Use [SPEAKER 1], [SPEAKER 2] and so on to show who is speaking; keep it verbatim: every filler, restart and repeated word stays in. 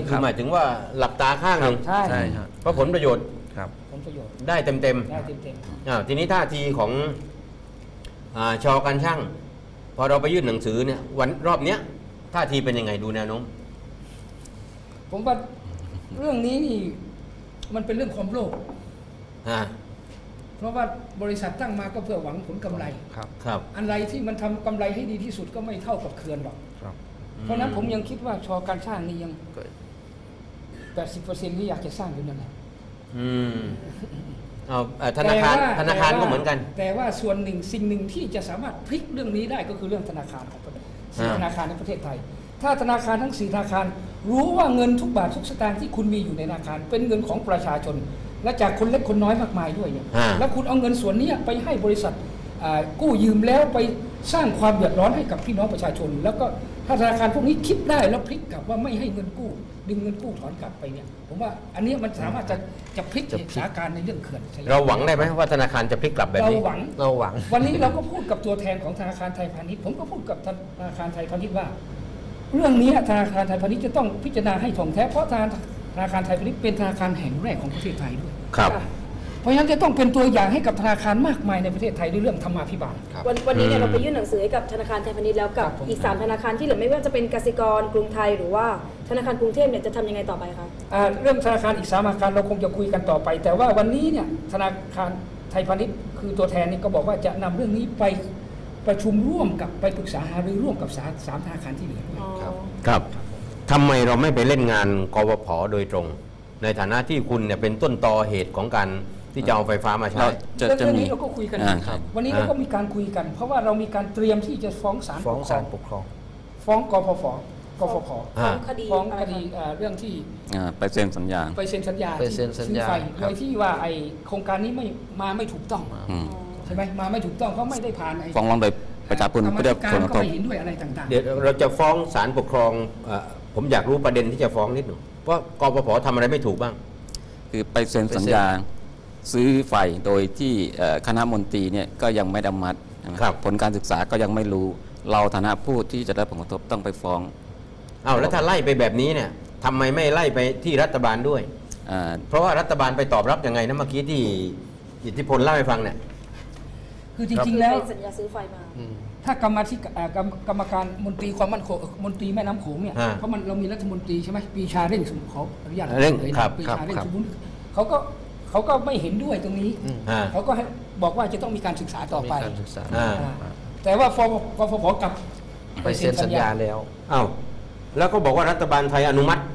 [SPEAKER 1] นี่คือหมายถึงว่าหลับตาข้างหนึ่ง
[SPEAKER 2] ใช่
[SPEAKER 3] ใช่ครับ
[SPEAKER 1] เพราะผลประโยชน์
[SPEAKER 3] ครับ
[SPEAKER 2] ผลประโยชน์
[SPEAKER 1] ได้เต็มเต็ม
[SPEAKER 2] ได้เต็ม
[SPEAKER 1] อ่าทีนี้ท่าทีของอ่าชอการช่างพอเราไปยื่นหนังสือเนี่ยวันรอบเนี้ยท่าทีเป็นยังไงดูแนวโน้ม
[SPEAKER 2] ๆผมว่าเรื่องนี้นี่มันเป็นเรื่องความโลภ
[SPEAKER 1] อ่า
[SPEAKER 2] เพราะว่าบริษัทตั้งมาก็เพื่อหวังผลกำไร
[SPEAKER 3] ครับ
[SPEAKER 1] ครับ
[SPEAKER 2] อะไรที่มันทำกำไรให้ดีที่สุดก็ไม่เท่ากับเขื่อนหรอก
[SPEAKER 3] ครับ
[SPEAKER 2] เพราะฉะนั้นผมยังคิดว่าชอการสร้างนี่ยัง แปดสิบเปอร์เซ็นต์ ที่อยากจะสร้างอยู่นั่นแหละ
[SPEAKER 1] อืมเอาเอ่อธนาคาร
[SPEAKER 2] แต่ว่
[SPEAKER 1] ธนาคาร
[SPEAKER 2] แต่ว่
[SPEAKER 1] ก็เหมือนกัน
[SPEAKER 2] แต่ว่าส่วนหนึ่งสิ่งหนึ่งที่จะสามารถพลิกเรื่องนี้ได้ก็คือเรื่องธนาคารของประเทศสี่
[SPEAKER 1] อ่า
[SPEAKER 2] ธนาคารในประเทศไทย ถ้าธนาคารทั้งสี่ธนาคารรู้ว่าเงินทุกบาททุกสตางค์ที่คุณมีอยู่ในธนาคารเป็นเงินของประชาชน และจากคนเล็กคนน้อยมากมายด้วยเนี่ย
[SPEAKER 1] อ่า
[SPEAKER 2] แล้วคุณเอาเงินส่วนนี้ไปให้บริษัทอ่ากู้ยืมแล้วไปสร้างความเดือดร้อนให้กับพี่น้องประชาชน แล้วก็ถ้าธนาคารพวกนี้คิดได้แล้วพลิกกลับว่าไม่ให้เงินกู้ดึงเงินกู้ถอนกลับไปเนี่ยผมว่าอันนี้มันสามารถจะจะพลิกเหตุสถานการณ์ในเรื่องเขื่อนใช่ไหม
[SPEAKER 1] เราหวังได้ไหมว่าธนาคารจะพลิกกลับแบบ
[SPEAKER 2] เรา
[SPEAKER 1] นี้
[SPEAKER 2] หวัง
[SPEAKER 3] เราหวัง
[SPEAKER 2] วันนี้เราก็พูดกับตัวแทนของธนาคารไทยพาณิชย์ผมก็พูดกับธนาคารไทยพาณิชย์ว่า เรื่องนี้ธนาคารไทยพาณิชย์จะต้องพิจารณาให้ถ่องแท้เพราะธนาคารไทยพาณิชย์เป็นธนาคารแห่งแรกของประเทศไทยด้วย
[SPEAKER 1] ครับ
[SPEAKER 2] เพราะฉะนั้นจะต้องเป็นตัวอย่างให้กับธนาคารมากมายในประเทศไทยด้วยเรื่องธรรมาภิบาล
[SPEAKER 4] วันวันนี้เนี่ย
[SPEAKER 1] อืม
[SPEAKER 4] เราไปยื่นหนังสือให้กับธนาคารไทยพาณิชย์แล้วกับ
[SPEAKER 2] ครับผม
[SPEAKER 4] อีกสามธนาคารที่เหลือไม่ว่าจะเป็นกสิกรกรุงไทยหรือว่าธนาคารกรุงเทพเนี่ยจะทำยังไงต่อไปคะ
[SPEAKER 2] อ่าเรื่องธนาคารอีกสามธนาคารเราคงจะคุยกันต่อไป แต่ว่าวันนี้เนี่ยธนาคารไทยพาณิชย์คือตัวแทนนี่ก็บอกว่าจะนำเรื่องนี้ไปประชุมร่วมกับไปปรึกษาหารือร่วมกับสาสามธนาคารที่เหลือด้วย
[SPEAKER 4] อ๋อ
[SPEAKER 3] ครับ
[SPEAKER 1] ครับทำไมเราไม่ไปเล่นงานกวผโดยตรง ในฐานะที่คุณเนี่ยเป็นต้นตอเหตุของการที่จะเอาไฟฟ้ามาใช้
[SPEAKER 3] เราจะ
[SPEAKER 2] เรื่อง
[SPEAKER 3] จะ
[SPEAKER 2] เรื่อง
[SPEAKER 3] มี
[SPEAKER 2] นี้เราก็คุยกัน
[SPEAKER 3] อ่าครับ
[SPEAKER 2] วันนี้เราก็มีการคุยกัน เพราะว่าเรามีการเตรียมที่จะฟ้องศาล
[SPEAKER 3] ฟ้อง
[SPEAKER 2] ปกคร
[SPEAKER 3] ศาลปกครอง
[SPEAKER 2] ฟ้องกพฟกฟผ
[SPEAKER 1] อ่า
[SPEAKER 4] ฟ้องคดี
[SPEAKER 2] ฟ้อง
[SPEAKER 4] อะไร
[SPEAKER 2] ค
[SPEAKER 4] คะ
[SPEAKER 2] ดีอ่าเรื่องที่
[SPEAKER 3] อ่าไปเซ็นสัญญา
[SPEAKER 2] ไปเซ็นสัญญา
[SPEAKER 3] ไปเซ็นสัญญา
[SPEAKER 2] ซื้อไฟ
[SPEAKER 3] ครั
[SPEAKER 2] โด
[SPEAKER 3] บ
[SPEAKER 2] ยที่ว่าไอโครงการนี้ไม่มาไม่ถูกต้อง
[SPEAKER 3] อืม
[SPEAKER 2] ใช่ไหมมาไม่ถูกต้องเขาไม่ได้ผ่านไอ
[SPEAKER 3] ฟ้องร้องโดยประชาชน
[SPEAKER 2] กรรม
[SPEAKER 3] ไม่ได้
[SPEAKER 2] ธิการ
[SPEAKER 3] ผลกระ
[SPEAKER 2] ก็
[SPEAKER 3] ทบ
[SPEAKER 2] ไม่เห็นด้วยอะไรต่าง
[SPEAKER 1] เดี๋ยวเราจะฟ้องศาลปกครองเอ่อผมอยากรู้ประเด็นที่จะฟ้องนิดหนึ่งว่ากปผทำอะไรไม่ถูกบ้าง
[SPEAKER 3] คือไปเซ็นสัญญาซื้อไฟโดยที่เอ่อคณะมนตรีเนี่ยก็ยังไม่ได้อนุมัติใช่ไหม
[SPEAKER 1] ครับ
[SPEAKER 3] ผลการศึกษาก็ยังไม่รู้เราฐานะผู้ที่จะได้ผลกระทบต้องไปฟ้อง
[SPEAKER 1] เอาแล้วถ้าไล่ไปแบบนี้เนี่ยทำไมไม่ไล่ไปที่รัฐบาลด้วย
[SPEAKER 3] อ่า
[SPEAKER 1] เพราะว่ารัฐบาลไปตอบรับยังไงนะเมื่อกี้ที่อิทธิพลเล่าให้ฟังเนี่ย
[SPEAKER 2] ๆ คือจริงๆแล้ว
[SPEAKER 4] เป็นสัญญาซื้อไฟมา
[SPEAKER 2] ถ้ากรรมธิการอ่ากรรมกรรมการมนตรีความมั่นคงเอ่อมนตรีแม่น้ำโขงเนี่ย
[SPEAKER 1] อ่า
[SPEAKER 2] เพราะมันเรามีรัฐมนตรีใช่ไหมปรีชาเร่งสมขออนุญาต
[SPEAKER 1] เร่ง
[SPEAKER 2] ลยนะครับ ปรี
[SPEAKER 1] ครับ
[SPEAKER 2] ชาเร่ง
[SPEAKER 1] ครับ
[SPEAKER 2] สมบูรณ์เขาก็เขาก็ไม่เห็นด้วยตรงนี้
[SPEAKER 1] อ่า
[SPEAKER 2] เขาก็ให้บอกว่าจะต้องมีการศึกษาต่อไป
[SPEAKER 3] มีการศึกษา
[SPEAKER 1] อ่า
[SPEAKER 2] อ่าแต่ว่าฟกฟผกลับ
[SPEAKER 3] ไปเซ็นสัญญาแล้ว
[SPEAKER 1] อ้าวแล้วก็บอกว่ารัฐบาลไทยอนุมัติ